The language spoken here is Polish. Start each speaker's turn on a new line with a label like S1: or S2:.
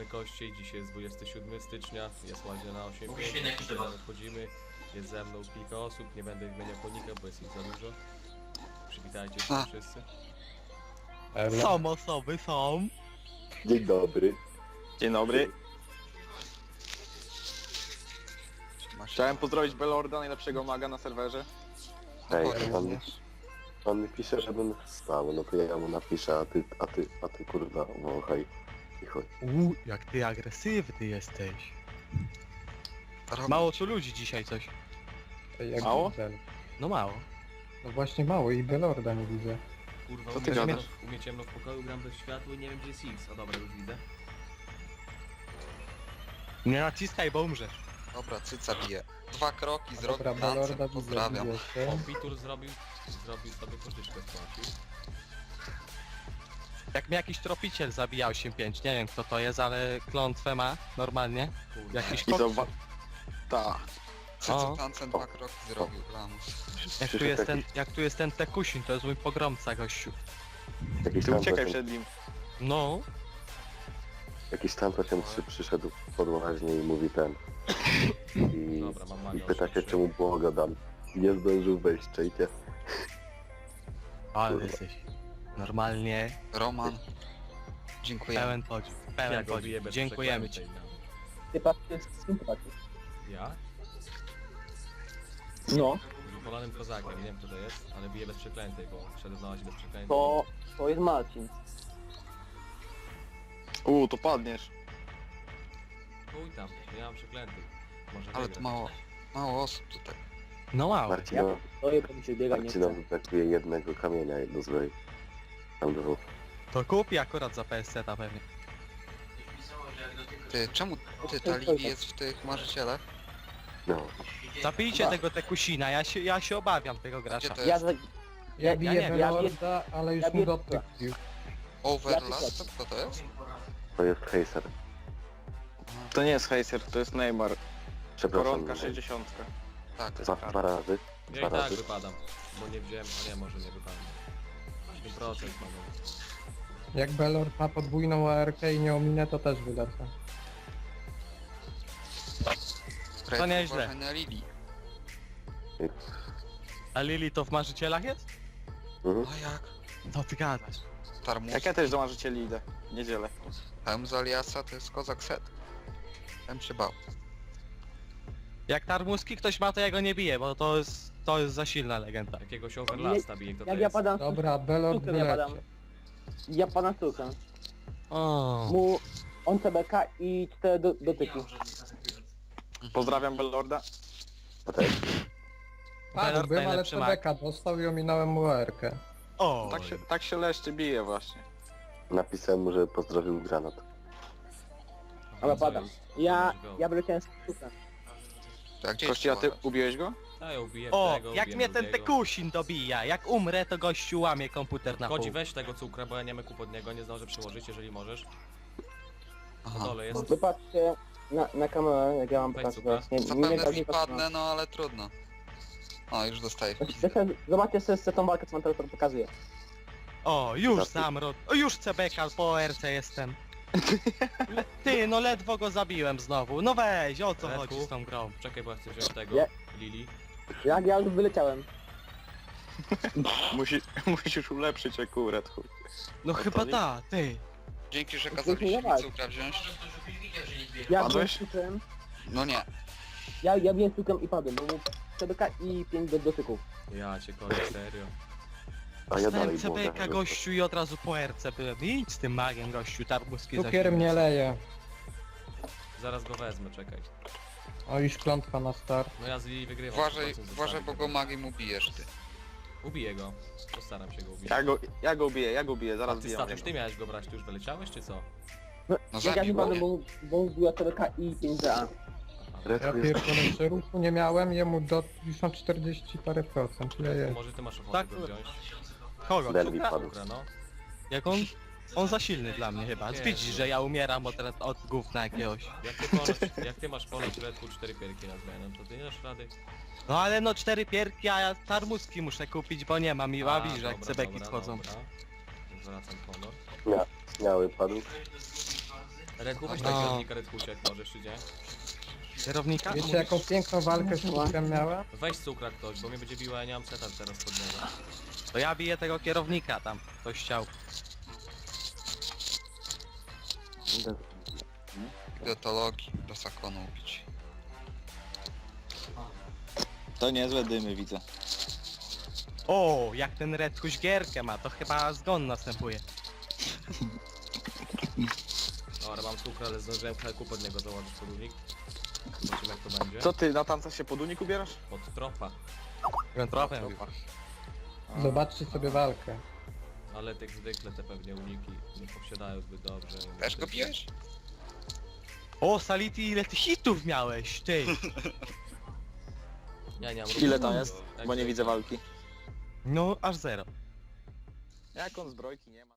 S1: Kościej, dzisiaj jest 27 stycznia, jest łaźnia na 8.5, wchodzimy, jest ze mną kilka osób, nie będę wymieniał konika, bo jest ich za dużo. Przywitajcie się wszyscy.
S2: Są osoby, są.
S3: Dzień dobry.
S4: Dzień dobry. Chciałem pozdrowić Belorda, najlepszego maga na serwerze.
S3: Ej, on mi pisze, żebym wstał, no to ja mu napiszę, a ty kurwa, wąchaj i chodź.
S2: Jak ty agresywny jesteś. Mało tu ludzi dzisiaj coś.
S5: Jak
S4: Mało?
S5: Bel.
S2: No mało.
S5: No właśnie mało i Belorda nie widzę.
S1: Kurwa,
S4: Co ty gadasz?
S1: u mnie ciemno w pokoju, gram bez światła i nie wiem gdzie jest X. O dobra, już widzę.
S2: Nie naciskaj, bo umrzesz.
S6: Dobra, cyca bije. 2 kroki, zrobił
S5: Dobra,
S6: tancem,
S5: Belorda widzę,
S6: pozdrawiam.
S5: widzę się.
S1: Kompitur zrobił sobie pożyczkę spłacił.
S2: Jak mnie jakiś tropiciel zabija 8-5, nie wiem kto to jest, ale klątwę ma normalnie.
S1: Kurwa.
S2: Jakiś
S4: I
S2: kot.
S4: zobacz. Ta.
S6: Cyca
S2: O.
S6: tancem 2 kroki zrobił, lamus.
S2: Jak tu jest ten Tekusin, to jest mój pogromca gościu.
S3: Jakiś
S4: Ty
S3: tam
S4: uciekaj
S3: pociąg,
S4: przed nim.
S2: No,
S3: jakiś tam pociąg przyszedł pod łaźnię i mówi ten.
S1: Dobra, mam
S3: I
S1: maga
S3: pyta się
S1: 8.3.
S3: czemu błogo dam. Nie zdążył wejść, czejcie.
S2: ale
S3: Kurwa.
S2: jesteś normalnie
S6: Roman. Dziękuję.
S2: pełen podziw,
S1: Ja
S2: pełen
S1: go biję
S2: podziw.
S1: bez
S2: Dziękujemy ci.
S1: przeklętej, no.
S7: Ty patrz, jest sympatii.
S1: Ja?
S7: No,
S1: Z upolonym kozakiem, nie wiem kto to jest, ale bije bez przeklętej, bo szedł na łaźnię bez przeklętej.
S7: to jest Marcin.
S4: To padniesz.
S1: Chuj tam, nie mam przeklętych. Może
S6: Ale
S1: wygra.
S6: to mało osób tutaj.
S2: No mało.
S7: To je mi się biega, nie chcę.
S3: Marcinowi brakuje jednego kamienia, jedno złej. Tam dwóch.
S2: To kupi akurat za PSC-ta pewnie.
S6: Ty, czemu ty, ta Livi jest w tych marzycielach?
S3: No.
S2: Zabijcie tego Tekusina, ja się obawiam tego
S6: Gdzie
S2: gracza.
S6: to
S7: Ja,
S6: jest?
S7: za,
S5: Ja biję
S2: nie wiem,
S5: Belorda, ale już
S7: ja
S5: mu
S7: biję-
S5: dotyk bił.
S6: Overlap? To kto to jest?
S3: To jest Heiser.
S4: To nie jest Heiser, to jest Neymar.
S3: Przepraszam.
S4: Koronka 60.
S6: Tak.
S3: Dwa razy.
S1: Ja i
S3: Dwa
S1: tak
S3: razy.
S1: wypadam, bo nie wziąłem, a nie, może nie wypadam. 7% mam.
S5: Jak Belord ma podwójną ARK i nie ominę, to też wylecę.
S6: To
S2: nieźle.
S6: na Lili.
S2: A Lili to w marzycielach jest?
S3: Mhm.
S6: A jak?
S2: No ty gadasz.
S6: Tarmus.
S4: Jak ja też do marzycieli idę. Niedzielę.
S6: Hełm z Aliasa to jest kozak set. Bym się bał.
S2: Jak Tarmuski ktoś ma, to ja go nie biję, bo to jest za silna legenda.
S1: Jakiegoś overlasta bije, kto to
S7: jak ja
S1: jest?
S7: padam,
S5: Dobra, Belord
S7: Sztukę ja badam.
S5: wylecie.
S7: ja padam sztukę.
S2: O.
S7: Mu on CBK i 4 dotyki.
S4: Pozdrawiam Belorda.
S3: A też?
S5: Padłbym, ale
S2: najlepszy mag.
S5: TBK dostał i ominąłem mu ARK.
S2: O.
S4: Tak się leszczy bije właśnie.
S3: Napisałem mu, że pozdrowił granat.
S7: Ale padam. Ja wyleciałem z sztukę.
S6: To jak gdzie
S4: Kości, a ty
S6: jest
S4: ubiłeś go?
S1: A ja ubiję
S2: O,
S1: tego,
S2: jak
S1: ubiję
S2: mnie ten
S1: drugiego.
S2: Tekusin dobija, jak umrę, to gościu łamie komputer na pół.
S1: Kodzi, weź tego cukra, bo ja nie mam kup od niego, nie zdążę przyłożyć, jeżeli możesz. Na
S6: Aha.
S1: dole jest.
S7: Wypatrzcie na kamerę, jak ja mam
S1: Weź
S7: pokazać.
S1: cukra.
S7: Nie
S6: Zapewne
S7: każdy
S6: wpadnę, no ale trudno. O, już dostaję.
S7: Zobaczcie sobie tą walkę, co mam teraz pokazuje.
S2: O, już zamrot. O, już CBK po RC jestem. Ty, no ledwo go zabiłem znowu. No weź, o co
S1: Redku?
S2: chodzi z tą grą?
S1: Czekaj, bo ja chcę wziąć tego,
S7: Ja-
S1: Lili.
S7: Jak ja już wyleciałem.
S4: Musisz ulepszyć akurat. chuj.
S2: No
S4: to
S2: chyba
S4: nie-
S2: ta, ty.
S6: Dzięki, że
S7: nie
S6: kazaliście mi
S7: walcz.
S6: cukra wziąć.
S7: Ja
S4: Padłeś?
S7: byłem cukrem,
S6: No nie.
S7: ja biłem cukrem i padłem, bo mu CBK i 5 dotyków.
S1: Ja cię kocham, serio.
S3: A ja dalej
S2: Dostałem CBK
S3: błagam.
S2: gościu i od razu po RC byłem. Idź z tym magiem gościu, Tarbuski za
S5: Cukier
S2: silny.
S5: mnie leje.
S1: Zaraz go wezmę, czekaj.
S5: O, już klątwa na start.
S1: No ja z Lili wygrywam.
S6: Uważaj,
S1: 100%
S6: uważaj, bo
S1: zostawię
S6: go
S1: tego.
S6: magiem ubijesz ty.
S1: Ubiję go. Postaram się go ubić.
S4: Ja go ubiję,
S1: A
S4: zaraz
S1: ty
S4: biję.
S1: Statuś, ty miałeś go brać, ty już wyleciałeś, czy co?
S6: No
S7: Jak ja nie
S6: zabił
S7: padłem,
S6: mnie.
S7: bo mu była CBK i 5 DA.
S1: Aha.
S5: Ja
S3: Redku jest...
S5: pierdolę, że ruchu nie miałem, jemu już mam 40 parę procent. Ile jest?
S1: Może ty masz ochotę
S2: Tak,
S1: go wziąć?
S2: Kogo?
S3: Delwi
S2: Cukra?
S3: padł.
S1: Cukra, no.
S2: Jak on za silny dla mnie chyba.
S1: Nie,
S2: Widzisz,
S1: no.
S2: że ja umieram od gówna jakiegoś.
S1: Jak ty masz ponoć Redku 4 pierki na zmianę, to ty nie dasz rady?
S2: No ale no 4 pierki, a ja Tarmuski muszę kupić, bo nie mam i ławisz, że jak
S1: dobra,
S2: cebeki
S1: dobra,
S2: schodzą.
S1: dobra. Zwracam honor.
S3: Śmiały padł.
S1: Redku, weź
S2: No.
S1: tak kierownika Redkusia, jak możesz, czy nie?
S2: Kierownika?
S5: Wiecie
S2: Mówisz?
S5: jaką piękną walkę z Cukrem miałem?
S1: Weź cukra ktoś, bo mnie będzie biła, ja nie mam seta teraz pod niego.
S2: To ja biję tego kierownika tam. Ktoś chciał.
S6: Idę do logi, do zakonu ubić.
S4: To niezłe dymy widzę.
S2: O, jak ten Redkuś gierkę ma, to chyba zgon następuje.
S1: Dobra, mam cukra, ale zdążyłem helku pod niego założyć podłużnik. Zobaczymy jak to będzie.
S4: Co ty, na tanca się pod unik ubierasz?
S1: Pod tropa.
S2: Tropem.
S5: Zobaczcie sobie walkę.
S1: Ale tak zwykle te pewnie uniki nie posiadają zbyt dobrze.
S6: Też go bijesz?
S2: O, Sality, ile ty hitów miałeś, ty!
S1: Ja nie mam
S4: Ile
S1: ruchu,
S4: tam jest?
S1: tak
S4: Bo nie
S1: zwykle.
S4: widzę walki.
S2: No, aż 0.
S4: Jak on zbrojki nie ma?